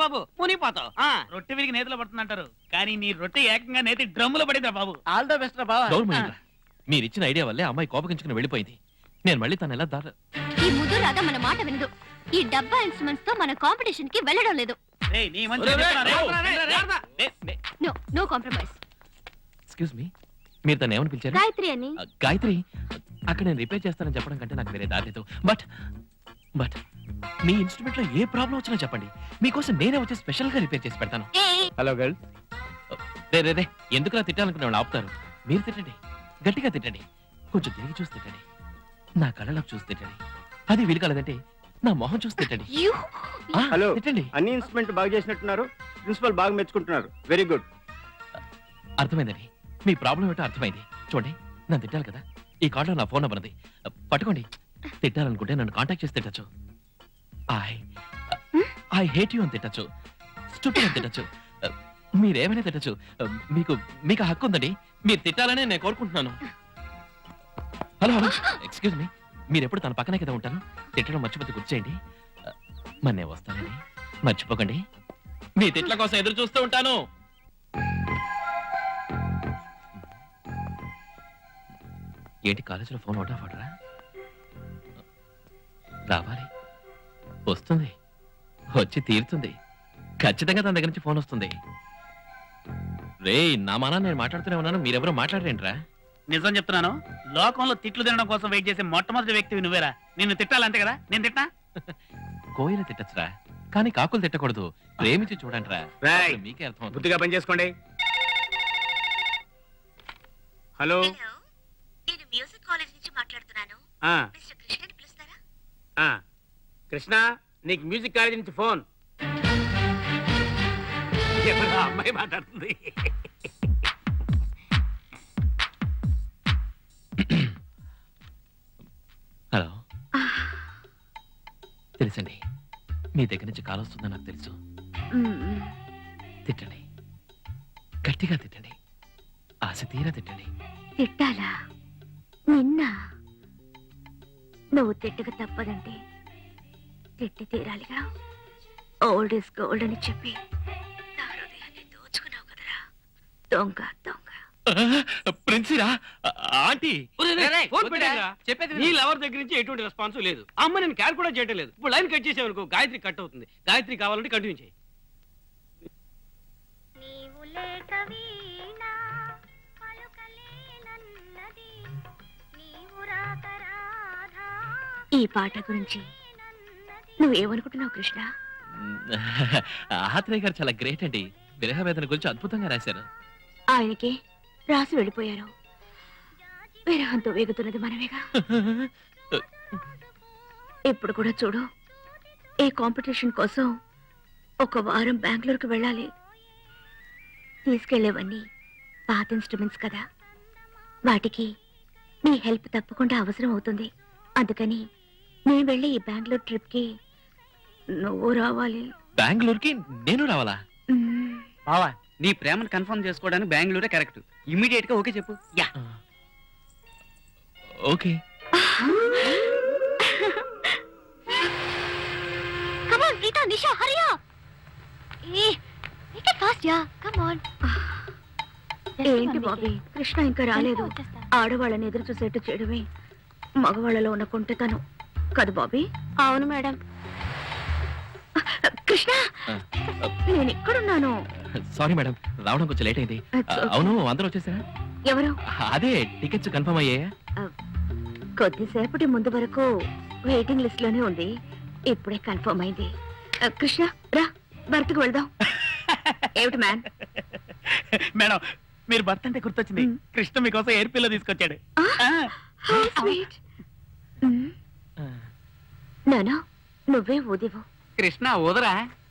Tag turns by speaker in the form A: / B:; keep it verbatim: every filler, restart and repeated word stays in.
A: బాబు మునిపోతావు. రొట్టె విరిగి నేతలో పడుతుందంటారు, కానీ నీ రొట్టె ఏకంగా నేతి డ్రమ్ములో పడిందిరా బాబు.
B: ఆల్ ద బెస్ట్ రా బాబా.
C: మీరు ఇచ్చిన ఐడియా వల్లే అమ్మాయి కోపగించుకుని వెళ్ళిపోయింది. నేను మళ్ళీ తను ఎలా దారి
D: ఈ ముద్దు రాధ మన మాట వినదు. ఈ డబ్బా ఇన్స్ట్రుమెంట్స్ తో మన కాంపిటీషన్ కి వెళ్ళడం లేదు. No no compromise.
C: Excuse me, మీరు తను ఏమని పిలిచారు?
D: గాయత్రి అని.
C: గాయత్రి, అక్కడ నేను రిపేర్ చేస్తానని చెప్పడం కంటే నాకు వేరే దారి లేదు. బట్ బట్ మీ ఇన్స్ట్రుమెంట్ లో ఏ ప్రాబ్లం వచ్చినా చెప్పండి, మీకోసం నేనే వచ్చి స్పెషల్ గా రిపేర్ చేసి పెడతాను.
B: Hello girl.
C: రే రే రే ఎందుకులా తిట్టాలనుకునే వాళ్ళు ఆపుతారు. మీరు తిట్టండి, గట్టిగా తిట్టండి, కొంచెం తిరిగి చూసి తిట్టండి, నా కళ్ళలోకి చూసి తిట్టండి. అది వీలు కలదంటే నా మొహం చూసి తిట్టండి.
B: హలో,
C: తిట్టండి.
B: అన్ని ఇన్స్ట్రుమెంట్ బాగా చేసినట్టున్నారు, ప్రిన్సిపల్ బాగా మెచ్చుకుంటున్నారు. Very good.
C: అర్థమైందండి, మీ ప్రాబ్లం ఏంటో అర్థమైంది. చూడండి, నన్ను తిట్టాలి కదా, ఈ కార్డులో నా ఫోన్ నెంబర్ ఉంది, పట్టుకోండి. తిట్టాలనుకుంటే నన్ను కాంటాక్ట్ చేసి తిట్టచ్చు. ఐ ఐ హేట్ యూ అని తిట్టచ్చు, స్టూపిడ్ అని తిట్టచ్చు, మీరేమైనా తిట్టచ్చు. మీకు మీకు హక్కు ఉందండి, మీరు తిట్టాలనే నేను కోరుకుంటున్నాను. హలో హలో ఎక్స్క్యూజ్ మీ, మీరు ఎప్పుడు తన పక్కనే కదా ఉంటాను, తిట్టడం మర్చిపోతే గుర్తు చేయండి. మరి నేను వస్తానండి, మర్చిపోకండి. మీ తిట్ల కోసం ఎదురు చూస్తూ ఉంటాను. ఏంటి కాలేజీలో ఫోన్ అవుట్ ఆఫ్ ఆర్డరా? రావాలి, వస్తుంది, వచ్చి తీరుతుంది. ఖచ్చితంగా తన దగ్గర నుంచి ఫోన్ వస్తుంది. రే నా మానా నేను మాట్లాడుతూనే ఉన్నాను, మీరెవరో మాట్లాడరేంట్రా?
A: నిజం చెప్తున్నాను, లోకంలో తిట్లు తినడం కోసం వెయిట్ చేసే మొట్టమొదటి వ్యక్తివి నువ్వేరా. నిన్ను తిట్టాలంతే కదా, నేను తిట్టా?
C: కోయిలు తిట్టచ్చురా, కానీ కాకులు తిట్టకూడదు. ప్రేమించి చూడండిరా, మీకే అర్థం.
B: బుద్ధిగా పని చేసుకోండి. హలో,
D: నేను మ్యూజిక్ కాలేజ్ నుంచి మాట్లాడుతున్నాను.
B: ఆ
D: మిస్టర్ కృష్ణని పిలుస్తారా?
B: ఆ కృష్ణ, నీకు మ్యూజిక్ కాలేజ్ నుంచి ఫోన్. ఎవరు అమ్మాయి మాట్లాడుతుంది?
C: హలో, తెలుసండి, మీ దగ్గర నుంచి కాల్ వస్తుందని నాకు తెలుసు. తిట్టండి, గట్టిగా తిట్టండి, ఆశ తీరా తిట్టండి.
D: తిట్టాలా? నిన్న నువ్వు తిట్టక తప్పదంటే తిట్టి తీరాలిగా. ఓల్డ్ ఇస్ గోల్డ్ అని చెప్పి నా హృదయాన్ని దోచుకున్నావు కదరా, దొంగ దొంగ.
C: ప్రిన్సిరా ఆంటీ,
B: చెప్పేది నీ లవర్ దగ్గర నుంచి ఎటువంటి రెస్పాన్స్ లేదు. అమ్మ నేను క్యార్ కూడా చేయటం లేదు. ఇప్పుడు లైన్ కట్ చేసేవనుకో గాయత్రి కట్ అవుతుంది. గాయత్రి కావాలంటే కంటిన్యూ చేయి.
D: ఈ పాట గురించి నువ్వేమనుకుంటున్నావు కృష్ణ?
C: ఆత్రేయ గారు చాలా గ్రేట్ అండి, విరహ వేదన గురించి అద్భుతంగా రాశారు.
D: ఆయనకి రాసి వెళ్ళిపోయారు, విరహంతో వేగుతున్నది మనమేగా. ఇప్పుడు కూడా చూడు, ఈ కాంపిటీషన్ కోసం ఒక వారం బెంగళూరుకు వెళ్ళాలి. తీసుకెళ్లేవన్నీ పాత ఇన్స్ట్రుమెంట్స్ కదా, వాటికి నీ హెల్ప్ తప్పకుండా అవసరం అవుతుంది. అందుకని నేను వెళ్ళి ఈ బెంగళూరు ట్రిప్ కి నువ్వు రావాలి.
C: బెంగళూరుకి నేను రావాలా?
A: బావా, నీ ప్రేమను కన్ఫర్మ్ చేసుకోవడానికి బెంగళూరే కరెక్ట్. ఇమీడియట్ గా ఓకే చెప్పు. Yeah
C: okay.
D: Come on, Rita, Nisha, hurry up. Hey, make it fast, yeah. Come on. ఏంటి బాబీ, కృష్ణ ఇంకా రాలేదు. ఆడవాళ్ళని ఎదురు చూసేట్టు చేయడమే మగవాళ్ళలో ఉన్న కుంటతనం కదా బాబీ? అవును మేడం. కృష్ణ, నేను ఎక్కడున్నాను?
C: సారీ మేడం, రావడం కొంచెం లేట్ అయింది. అవును, అందరూ వచ్చేసారా?
D: ఎవరు?
C: అదే టికెట్స్ కన్ఫర్మ్ అయ్యాయా?
D: కొద్దిసేపటి ముందు వరకు వెయిటింగ్ లిస్ట్ లోనే ఉంది, ఇప్పుడే కన్ఫర్మ్ అయింది. కృష్ణ రా, భర్తకు వెళ్దాం. ఏమిటి మ్యాన్?
A: మేడం, మీరు భర్త అంటే గుర్తొచ్చింది. కృష్ణ మీకోసం ఎయిర్ పిల్లో తీసుకొచ్చాడు.
D: నానా, నువ్వే ఊదివు.
A: కృష్ణ ఊదరా?